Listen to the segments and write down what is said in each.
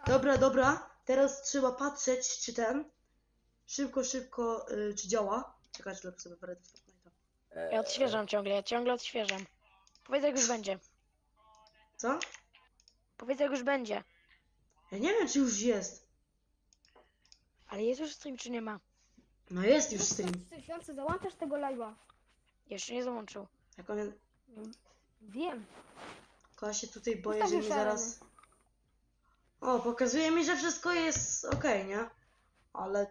Dobra. Teraz trzeba patrzeć, czy ten... Szybko, czy działa. Czekajcie, lepiej sobie wejdę w Fortnite'a. Ja odświeżam ciągle odświeżam. Powiedz jak już będzie. Co? Powiedz jak już będzie. Ja nie wiem, czy już jest. Ale jest już stream czy nie ma? No jest już stream. 3000, załączasz tego live'a. Jeszcze nie załączył. Jak on... Wiem. Ja się tutaj boję, Ustawił że mi zaraz... szalony. O, pokazuje mi, że wszystko jest okej, nie? Ale...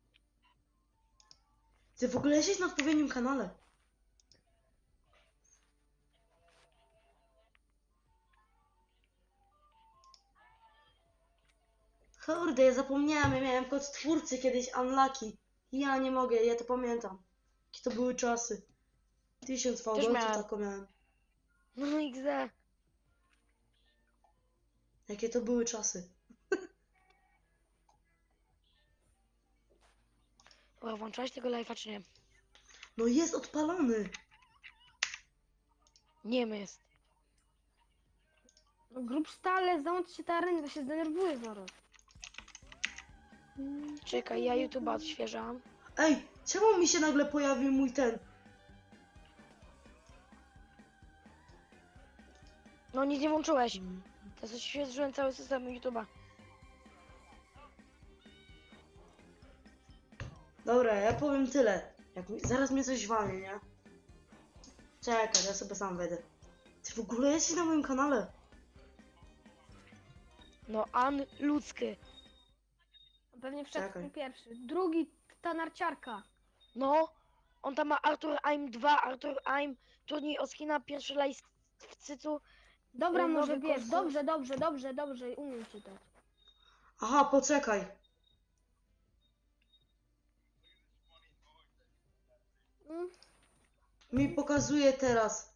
Ty w ogóle jesteś na odpowiednim kanale. Kurde, ja zapomniałem, ja miałem kod twórcy kiedyś, Unlucky. Ja nie mogę, ja to pamiętam. Jakie to były czasy. 1000 fałdolców miałem. taką miałem. No XD. Jakie to były czasy. Dobra, włączałeś tego live'a czy nie? No jest odpalony. Nie jest. No, grób stale, załącz się ta arena, to się zdenerwuje zaraz. Czekaj, ja YouTube'a odświeżam. Ej, czemu mi się nagle pojawił mój ten? No nic nie włączyłeś. Teraz odświeżyłem cały system YouTube'a. Dobra, ja powiem tyle. Zaraz mnie coś walnie, nie? Czekaj, ja sobie sam wejdę. Ty w ogóle jesteś na moim kanale. No ludzky. Pewnie wszedł Czekaj. pierwszy. Drugi, ta narciarka. No. On tam ma Arthur Aim 2, Arthur Aim, turniej o skina, pierwszy live w cycu. Dobra, Nowy może wiesz, kurs. dobrze, umiem czytać. Aha, poczekaj. Mm. Mi pokazuje teraz.